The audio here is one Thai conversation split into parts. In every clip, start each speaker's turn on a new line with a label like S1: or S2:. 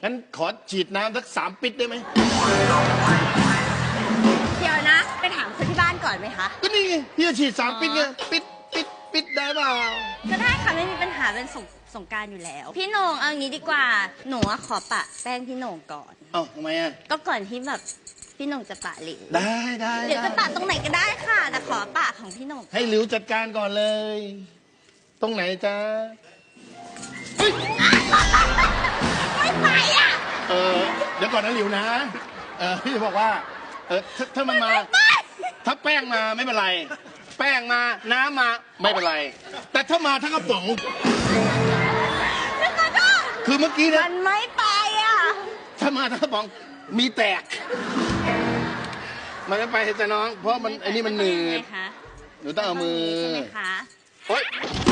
S1: งั้นขอฉีดน้ำสัก3 ปิดได้ไหม
S2: เดี๋ยวนะ ไปถามคนที่บ้านก่อนไหมคะ
S1: ก็นี่ไงพี่จะฉีด3 ปิดไงปิดได้เปล่า
S2: ก็ได้ค่ะไม่มีปัญหาเป็นสงกรารอยู่แล้ว พี่โหน่งเอางี้ดีกว่าหนูอะขอปะแป้งพี่โหน่งก่อน
S1: เอ้าทำไมอ่ะ
S2: ก็ก่อนที่แบบพี่โหน่งจะปะหลิว
S1: ได้
S2: หรือจะปะตรงไหนก็ได้ค่ะ แต่ขอปะของพี่โหน่ง
S1: ให้หลิวจัดการก่อนเลย ตรงไหนจ๊ะเฮ้ย
S2: ไม่ไปอ่ะ
S1: เดี๋ยวก่อนนะหลิวนะพี่จะบอกว่าถ้ามันมา ถ้าแป้งมาไม่เป็นไร แป้งมาน้ำมาไม่เป็นไร แต่ถ้ามาทั้งกระป๋องคือเมื่อกี้
S2: มั
S1: นะ
S2: นไม่ไปอ่ะ
S1: ถ้ามาทั้งกระป๋องมีแตก มันไม่ไปจะน้อง เพราะมันไอ้นี่มันหนืด
S2: คะ
S1: หนูต้องเอามือ
S2: ใช่ไหมคะ
S1: โอ๊ย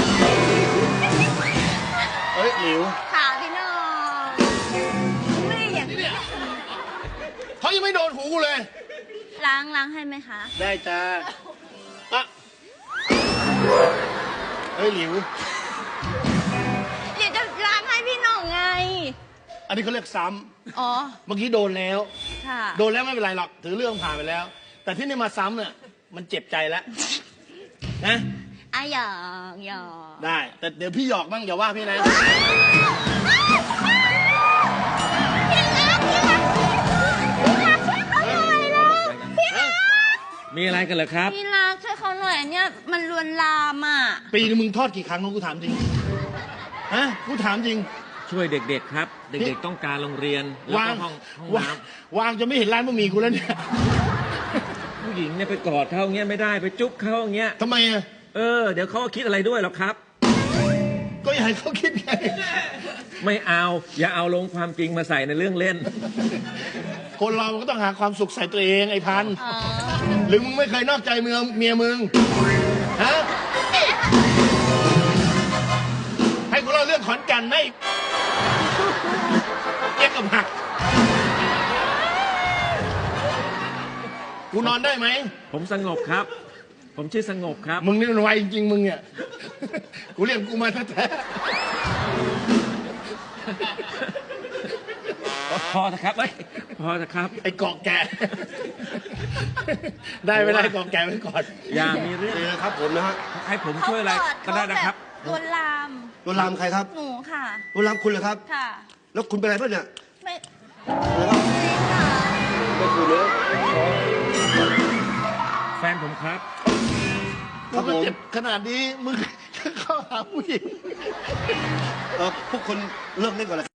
S1: เฮ้ยหลิว
S2: ค่ะพี่โหน่งไม่อย่างนี้
S1: เขายังไม่โดนหูกูเลย
S2: ล้างให้ไหมคะ
S1: ได้จ้าอะเฮ้ยหลิว
S2: เดี๋ยวจะล้างให้พี่โหน่งไง
S1: อันนี้เขาเรียกซ้
S2: อ๋อ
S1: ำเมื่อกี้โดนแล้ว
S2: ค่ะ
S1: โดนแล้วไม่เป็นไรหรอก ถือเรื่องผ่านไปแล้ว แต่ที่นี่มาซ้ำเนี่ย มันเจ็บใจแล้ว นะ
S2: อ่ะหยอก
S1: ได้ แต่เดี๋ยวพี่หยอกบ้างอย่าว่าพี่นะ
S3: มีอะไรกันเหรอครับ
S2: พี่รักช่วยเขาหน่อยอันเนี่ยมันลวนลามอ่ะ
S1: ปีนึงมึงทอดกี่ครั้งกูถามจริง ฮะ กูถามจริง
S3: ช่วยเด็กๆครับ เด็กๆต้องการโรงเรียนแล้ว
S1: วา
S3: ก็
S1: ง
S3: ห้อง
S1: วาง
S3: น้
S1: วางจะไม่เห็นร้านบะหมี่กูแล้วเนี่ย
S3: ำผู้หญิงเนี่ยไปกอดเขาอย่างเงี้ยไม่ได้ไปจุ๊บเขาอย่างเงี้ย
S1: ทำไมอ่ะ
S3: เดี๋ยวเขาก็คิดอะไรด้วยหรอกครับ
S1: ก็อยากให้เขาคิดไง
S3: ไม่เอาอย่าเอาลงความจริงมาใส่ในเรื่องเล่น
S1: คนเรามันก็ต้องหาความสุขใส่ตัวเองไอ้พันธุ์
S2: อ๋อ
S1: หรือมึงไม่เคยนอกใจเมียมึง ฮะ ให้กูเล่าเรื่องขอนแก่นไหมเจ๊กกับหัก กูนอนได้ไหม
S3: ผมสงบครับ ผมชื่อสงบครับ
S1: มึงนี่มันไวจริงๆมึงเนี่ย กูเรียกกูมาแท้
S3: พอนะครับเอ้ยพอนะครับ
S1: ๆไอ้เกาะแกะ ได้ไม่ได้เกาะแกะไว้ก่อน
S3: อย่ามีเรื่อง
S4: นี่นะครับผมนะฮะ
S3: ให้ผมช่วยอะไรก็ได้นะครับ
S2: ลวนลาม
S4: ลวนลามใครครับ
S2: หนูค่ะ
S4: ลวนลามคุณเหรอครับ
S2: ค่ะ
S4: แล้วคุณเป็นอะไรบ้างเนี่ย
S2: ไม่
S4: อะไรครับ
S2: ค่ะ
S4: ไม่คุณเนื้อ
S3: แฟนผมครับ
S1: กูก็เจ็บขนาดนี้มึงเข้าหาผู้หญิง
S4: พวกคุณเลิกเล่นก่อนเลยครับ